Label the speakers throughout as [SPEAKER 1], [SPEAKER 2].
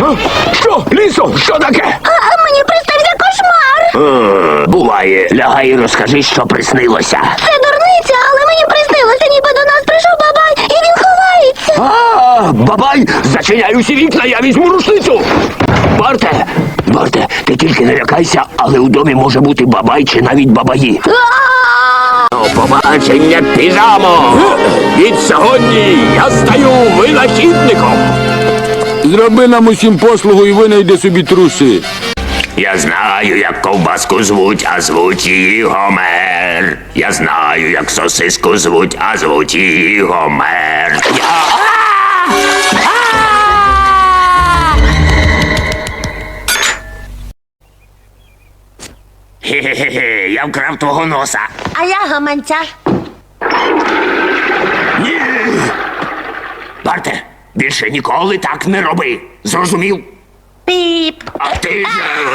[SPEAKER 1] Що? Лісо, що таке?
[SPEAKER 2] Мені приснився кошмар.
[SPEAKER 1] Буває. Лягай і розкажи, що приснилося.
[SPEAKER 2] Це дурниця, але мені приснилося, ніби до нас прийшов бабай, і він ховається.
[SPEAKER 1] Бабай, зачиняй усі вікна, я візьму рушницю. Барте, ти тільки не лякайся, але у домі може бути бабай чи навіть бабаї. До побачення, піжамо! Від сьогодні я стаю винахідником.
[SPEAKER 3] Зроби нам усім послугу і винайди собі труси.
[SPEAKER 1] Я знаю, як ковбаску звуть, а звуть її Гомер. Я знаю, як сосиску звуть, а звуть її Гомер. Хе-хе-хе, я вкрав твого носа.
[SPEAKER 2] А я гаманця.
[SPEAKER 1] Ні! Барте, більше ніколи так не роби. Зрозумів?
[SPEAKER 2] Піп.
[SPEAKER 1] А ти...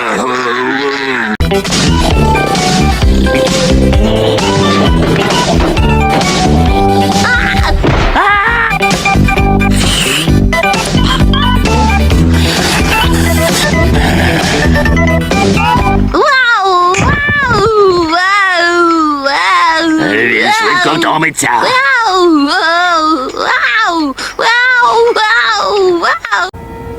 [SPEAKER 2] Вау! Вау! Вау! Вау!
[SPEAKER 1] Він швидко втомиться.
[SPEAKER 2] Вау! Вау! Вау! Вау! Вау! Вау!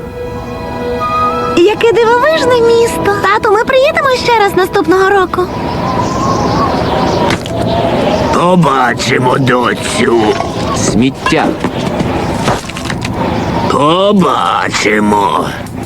[SPEAKER 2] Яке дивовижне місто. Тату, ми приїдемо ще раз наступного року.
[SPEAKER 1] Побачимо, доцю.
[SPEAKER 3] Сміття.
[SPEAKER 1] Побачимо.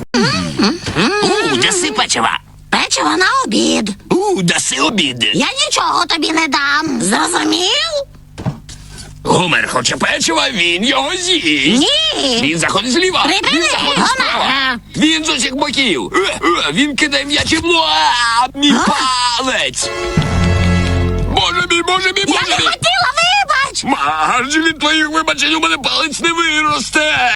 [SPEAKER 1] Даси печива.
[SPEAKER 2] Печиво на обід.
[SPEAKER 1] Даси обід.
[SPEAKER 2] Я нічого тобі не дам. Зрозумів?
[SPEAKER 1] Гомер хоче печива, він його з'їсть.
[SPEAKER 2] Ні.
[SPEAKER 1] Він заходить зліва.
[SPEAKER 2] Припини,
[SPEAKER 1] Він заходить справа.
[SPEAKER 2] Гомере.
[SPEAKER 1] Він з усіх боків. Він кидає м'ячі в мій палець. Боже мій, боже мій,
[SPEAKER 2] Я
[SPEAKER 1] боже
[SPEAKER 2] не
[SPEAKER 1] мій.
[SPEAKER 2] хотіла, вибач!
[SPEAKER 1] Марж, від твоїх вибачень у мене палець не виросте.